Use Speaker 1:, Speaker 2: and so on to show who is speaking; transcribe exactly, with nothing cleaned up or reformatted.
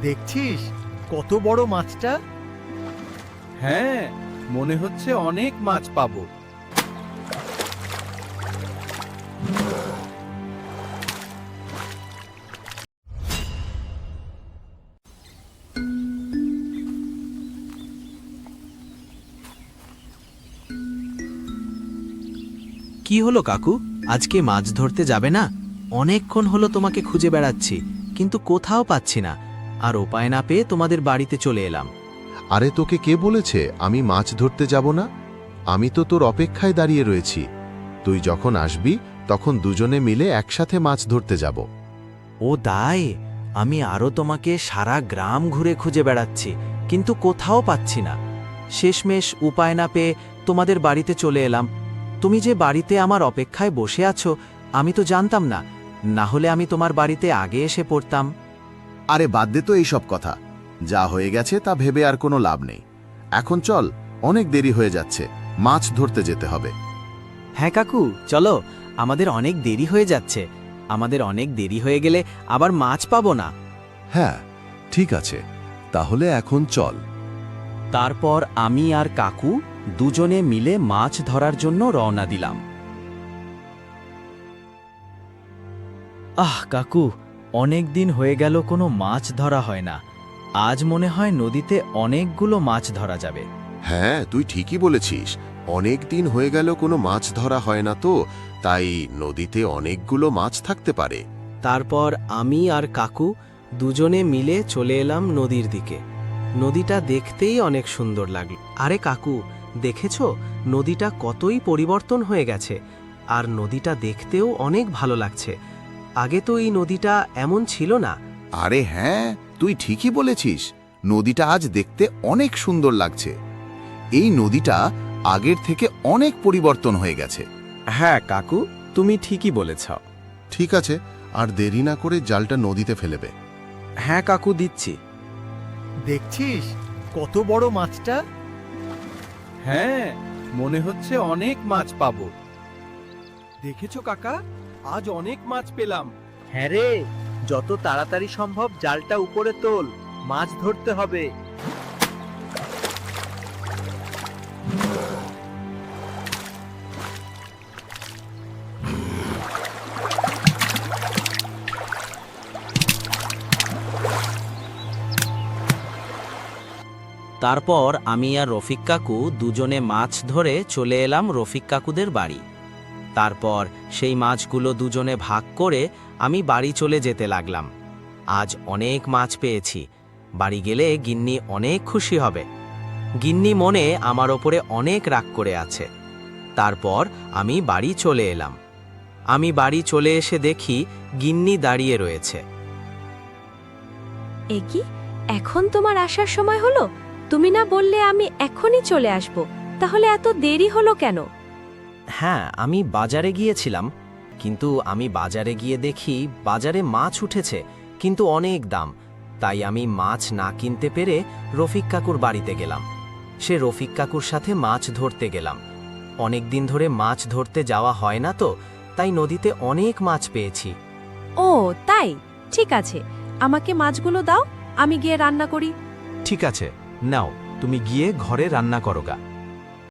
Speaker 1: দেখছিস কত বড় মাছটা?
Speaker 2: হ্যাঁ, মনে হচ্ছে অনেক মাছ পাবো।
Speaker 3: কি হলো কাকু, আজকে মাছ ধরতে যাবে না? অনেকক্ষণ হলো তোমাকে খুঁজে বেড়াচ্ছি, কিন্তু কোথাও পাচ্ছি না। আর উপায় না পেয়ে তোমাদের বাড়িতে চলে এলাম।
Speaker 4: আরে তোকে কে বলেছে আমি মাছ ধরতে যাব না? আমি তো তোর অপেক্ষায় দাঁড়িয়ে রয়েছি। তুই যখন আসবি তখন দুজনে মিলে একসাথে মাছ ধরতে যাব।
Speaker 3: ও দাই, আমি আরও তোমাকে সারা গ্রাম ঘুরে খুঁজে বেড়াচ্ছি, কিন্তু কোথাও পাচ্ছি না। শেষমেশ উপায় না পেয়ে তোমাদের বাড়িতে চলে এলাম। তুমি যে বাড়িতে আমার অপেক্ষায় বসে আছো আমি তো জানতাম না, না হলে আমি তোমার বাড়িতে আগে এসে পড়তাম।
Speaker 4: আরে বাদ দে তো এইসব কথা, যা হয়ে গেছে তা ভেবে আর কোনো লাভ নেই। এখন চল, অনেক দেরি হয়ে যাচ্ছে, মাছ ধরতে যেতে হবে।
Speaker 3: হ্যাঁ কাকু, চলো, আমাদের অনেক দেরি হয়ে যাচ্ছে। আমাদের অনেক দেরি হয়ে গেলে আবার মাছ পাবো না।
Speaker 4: হ্যাঁ ঠিক আছে, তাহলে এখন চল।
Speaker 3: তারপর আমি আর কাকু দুজনে মিলে মাছ ধরার জন্য রওনা দিলাম। আহ কাকু, অনেক দিন হয়ে গেল কোনো মাছ ধরা হয় না। আজ মনে হয় নদীতে অনেকগুলো মাছ ধরা যাবে।
Speaker 4: হ্যাঁ তুই ঠিকই বলেছিস, অনেক দিন হয়ে গেল কোনো মাছ ধরা হয় না, তো তাই নদীতে অনেকগুলো মাছ থাকতে পারে।
Speaker 3: তারপর আমি আর কাকু দুজনে মিলে চলে এলাম নদীর দিকে। নদীটা দেখতেই অনেক সুন্দর লাগলো। আরে কাকু, দেখেছো নদীটা কতই পরিবর্তন হয়ে গেছে, আর নদীটা দেখতেও অনেক ভালো লাগছে। আগে তো এই নদীটা এমন ছিল না।
Speaker 4: আরে হ্যাঁ, তুই ঠিকই বলেছিস, নদীটা আজ দেখতে অনেক সুন্দর লাগছে। এই নদীটা আগের থেকে অনেক পরিবর্তন হয়ে গেছে।
Speaker 3: হ্যাঁ কাকু, তুমি ঠিকই বলেছ।
Speaker 4: ঠিক আছে, আর দেরি না করে জালটা নদীতে ফেলেবে।
Speaker 3: হ্যাঁ কাকু, দিচ্ছি।
Speaker 1: দেখছিস কত বড় মাছটা?
Speaker 2: হ্যাঁ, মনে হচ্ছে অনেক মাছ পাবো। দেখেছো কাকা, আজ অনেক মাছ পেলাম।
Speaker 1: হ্যাঁ রে, যত তাড়াতাড়ি সম্ভব জালটা উপরে তোল, মাছ ধরতে হবে।
Speaker 3: তারপর আমি আর রফিক কাকু দুজনে মাছ ধরে চলে এলাম রফিক কাকুদের বাড়ি। তারপর সেই মাছগুলো দুজনে ভাগ করে আমি বাড়ি চলে যেতে লাগলাম। আজ অনেক মাছ পেয়েছি, বাড়ি গেলে গিন্নি অনেক খুশি হবে। গিন্নি মনে আমার ওপরে অনেক রাগ করে আছে। তারপর আমি বাড়ি চলে এলাম। আমি বাড়ি চলে এসে দেখি গিন্নি দাঁড়িয়ে রয়েছে।
Speaker 5: এ কি, এখন তোমার আসার সময় হলো? তুমি না বললে আমি এখনই চলে আসব, তাহলে এত দেরি হলো কেন?
Speaker 3: হ্যাঁ, আমি বাজারে গিয়েছিলাম, কিন্তু আমি বাজারে গিয়ে দেখি বাজারে মাছ উঠেছে, কিন্তু অনেক দাম। তাই আমি মাছ না কিনতে পেরে রফিক কাকুর বাড়িতে গেলাম। সে রফিক কাকুর সাথে মাছ ধরতে গেলাম। অনেক দিন ধরে মাছ ধরতে যাওয়া হয় না, তো তাই নদীতে অনেক মাছ পেয়েছি।
Speaker 5: ও তাই, ঠিক আছে, আমাকে মাছগুলো দাও, আমি গিয়ে রান্না করি।
Speaker 3: ঠিক আছে, নাও, তুমি গিয়ে ঘরে রান্না করো গা।